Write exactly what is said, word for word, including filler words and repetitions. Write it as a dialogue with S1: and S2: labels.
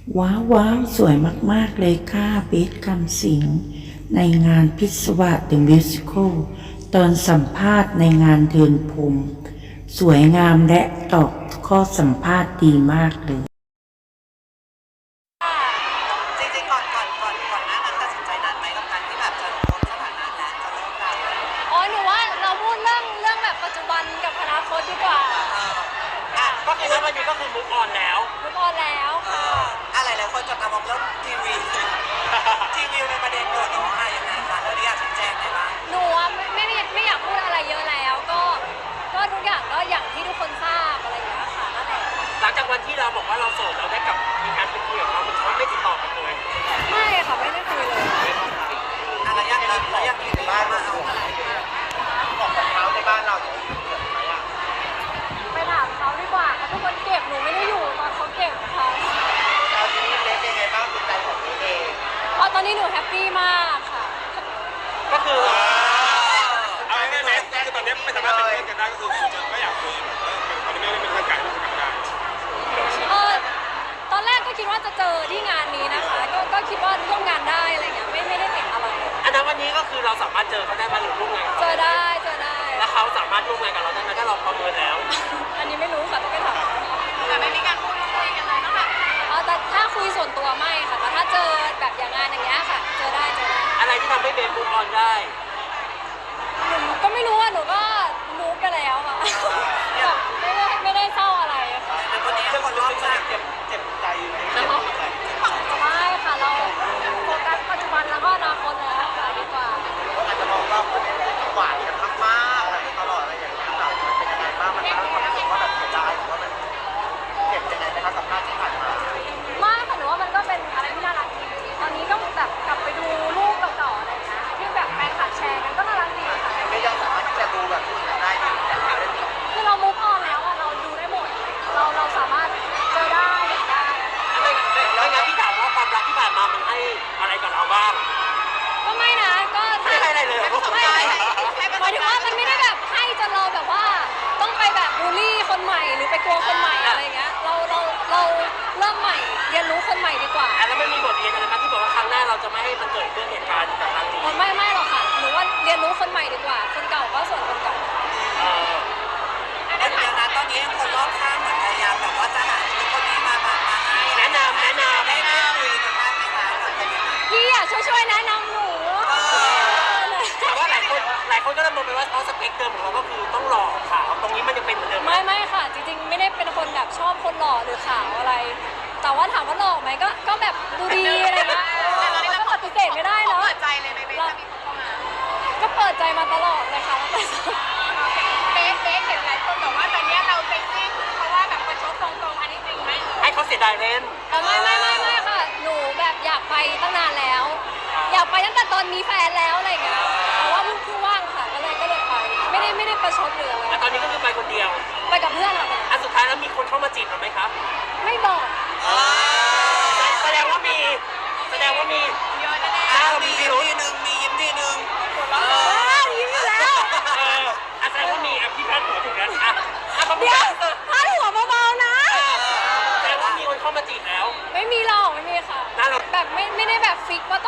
S1: ว้าวว้าวสวยมากๆเลยค่ะเบสคำสิงในงานพิศวาส The Musical ตอนสัมภาษณ์ในงานเดินพรมสวยงามและตอบข้อสัมภาษณ์ดีมากเลย
S2: จริงๆก่อนก่อนก่อนก่อนหน้านั้นตัดสินใจนานไหมกับการที่แบบจะลดสถานะและจะเลิกกัน
S3: อ๋อหนูว่าเราพูดเรื่องเรื่องแบบปัจจุบันกับอนาคตดีกว่า
S2: อ่ะก็คือวันนี้ก็คือมุกออนแล้ว
S3: มุกออนแล้วค่ะ
S2: อะไรหลายคนจับตามองเรื่องทีวีทีวีในประเด็นโดดน้องอะไรยังไงคะแล้วนี่อยากชี้แจงได้ไหม
S3: หนูไม่ไม่ไม่ไม่อยากพูดอะไรเยอะแล้วก็ก็ทุกอย่างก็อย่างที่ทุกคนทราบอะไรอย่างเงี้ยค่ะนั่นแหละ
S2: หลังจากวันที่เราบอกว่าเราโสดเราได้กลับมีการไปคุยกับเขาเขาไม่ติดต่อกันเลย
S3: ไม่ค่ะไม่ได้คุยเลย
S2: อะไรยังแล้วยังอยู่ในบ้านมาเอาอะไรบอกกับเขาในบ้านเราอย่างนี้เกิดไหมอ่ะ
S3: ไปถามเขาดีกว่าเขาเป็นคนเก็บหนูไม่ได้อยู่ตอนเขาเก็บค่ะ
S2: ตอนนี้เล็กยังไงบ้างจิตใจของตัวเอง
S3: อ๋อตอนนี้หนูแฮปปี้มากค่ะ
S2: ก็คือ
S4: เอาง่ายๆคือตอนนี้ไม่สามารถเป็นเพื่อนกันได้ก็คือคุณจะไม่อยากคุยแบบตอนนี้ไม่ได้เป็นเพื่อนกันก็คือทำไม่ได้
S3: เออตอนแรกก็คิดว่าจะเจอที่งานนี้นะคะก็ก็คิดว่าร่วมงานได้อะไรเงี้ยไม่ไม่ได้ติดอะไร
S2: อันนั้นวันนี้ก็คือเราสามารถเจอเขาได้มาหรือร่วมงาน
S3: เจอได้เจอได้
S2: แล้วเขาสามารถร่วมงานกับเราได้ไหมถ้าเราประเมินแล้ว
S3: อันนี้ไม่รู้ค่ะต้องไปถาม
S2: แต่ไม่มีการพูดคุยกันเลยต้องแบบ
S3: อ๋อแต่ถ้าคุยส่วนตัวไม่ค่ะแต่ถ้าเจอแบบอย่างงานอย่างเงี้ยค่ะเจอได้เจอได้
S2: อะไรที่ทำให้เบนมูฟออนได้
S3: หนูก็ไม่รู้อ่ะหนูก็มูฟไปแล้วค่ะแบบไม่ได้ไม่ได้เศร้าอะไรค่ะ
S2: แต่คนนี้คนรอบข้างเจ็บเจ็บใจเจ็บใจ
S3: ไม่ค่ะเราโฟกัสปัจจุบันแล้วก็อนาคตแล้วค่ะดีกว่า
S2: อาจจะมองว่าคนนี้หวานกันมากๆอะไรตลอดอะไรอย่างเงี้ยแบบมันเป็นยังไงบ้างมันทำให้ความรู้สึกว่าแบบเสียดายหรือว่ามันเจ็บยังไงนะคะสัมภาษณ์ที่ผ่านมา
S3: ไม่ค่ะหนูว่ามันก็เป็นอะไรที่น่ารักดีตอนนี้ก็แบบกลับไปดูรูปเก่าๆอะไรอย่างเงี้ยที่แบบแฟนคลับแชร์กันก็น่ารักดีค่ะ
S2: ไม่ยังสามารถที่จะดูแบบได้ดี
S3: คือเรามุกออนแล้วอะเราดูได้หมดเราเราสามารถเจอได้เห็นได้
S2: ไม่ไม่งั้นพี่ถามว่าความรักที่ผ่านมามันให้อะไรกับเราบ้าง
S3: ก็ไม่นะก็
S2: ไม่ให้อะไรเลย
S3: ไม่หมายถึงว่ามันไม่ได้แบบให้จนเราแบบว่าต้องไปแบบบูลลี่คนใหม่หรือไปกลัวคนใหม่อะไรเงี้ยเราเราเราเริ่มใหม่เรียนรู้คนใหม่ดีกว่า
S2: แล้วไม่มีบทเรียนอะไรไหมที่บอกว่าครั้งหน้าเราจะไม่ให้มันเกิดเรื่องเหตุการณ์แบบครั้งนี้
S3: ไม่ไม่หรอกค่ะหนูว่าเรียนรู้คนใหม่ดีกว่าคนเก่าก็ส่วนคนเก่า
S2: แต่เดี๋ยวนะตอนนี้คนรอบข้างเหมือนพยายามแบบว่าจะหาคนนี้มามามาแนะนำแนะนำได้ได้คุยกันบ้างไหมคะ
S3: พี่อ่ะช่วยช่วยแนะนำหนู
S2: แต่ว่าหลายคนหลายคนก็จะมองไปว่าเขาสเปคเดิมของเราก็คือต้องหล่อขาวตรงนี้มันยังเป็นเหมือนเดิม
S3: ไม่ไม่ค่ะจริงๆไม่ได้เป็นคนแบบชอบคนหล่อหรือขาวอะไรแต่ว่าถามว่าหล่อไหมก็ก็แบบดูดีอะไรเงี้ยมันก็ปฏิเสธไม่ได้เนาะ
S2: เปิดใจเลยไหมเบสจะมีคนเข้ามา
S3: ก็เปิดใจมาตลอดเลยค่ะ
S5: เบสเบสเห็นหลายคนบอกว่าตอนนี้เราเซ็กซี่เพราะว่าแบบประชดตรงๆอันนี้จริงไหม
S2: ให้เขาเสียดายเล่น
S3: ไม่ไม่ไม่ไม่ค่ะหนูแบบอยากไปตั้งนานแล้ว อยากไปตั้งแต่ตอนมีแฟนแล้วอะไรเงี้ยแต่ว่าเพิ่งเพิ่งว่างค่ะก็เลยก็เลยไปไม่ได้ไม่ได้ประชดเลย
S2: แต่ตอนนี้ก็คือไปคนเดียว
S3: ไปกับเพื่อนค่ะ
S2: อันสุดท้ายแล้วมีคนเข้ามาจีบเราไหมครับ
S3: ไม่บอก
S2: แสดงว่ามีแสดงว่ามี
S5: เยอะแน่
S2: ๆเรามีทีหนึ่งมียิ้มทีหนึ่ง
S3: ยิ้มอยู่แล้ว
S2: เออแสดงว่ามีอ่ะพี่พัดหัวถึงแล้วอ่ะ
S3: เดี๋ยวพัดหัวเบาๆนะ
S2: แสดงว่ามีคนเข้ามาจีบแล้ว
S3: ไม่มีหรอกไม่มีค่ะแบบไม่ไม่ได้แบบฟิกว่า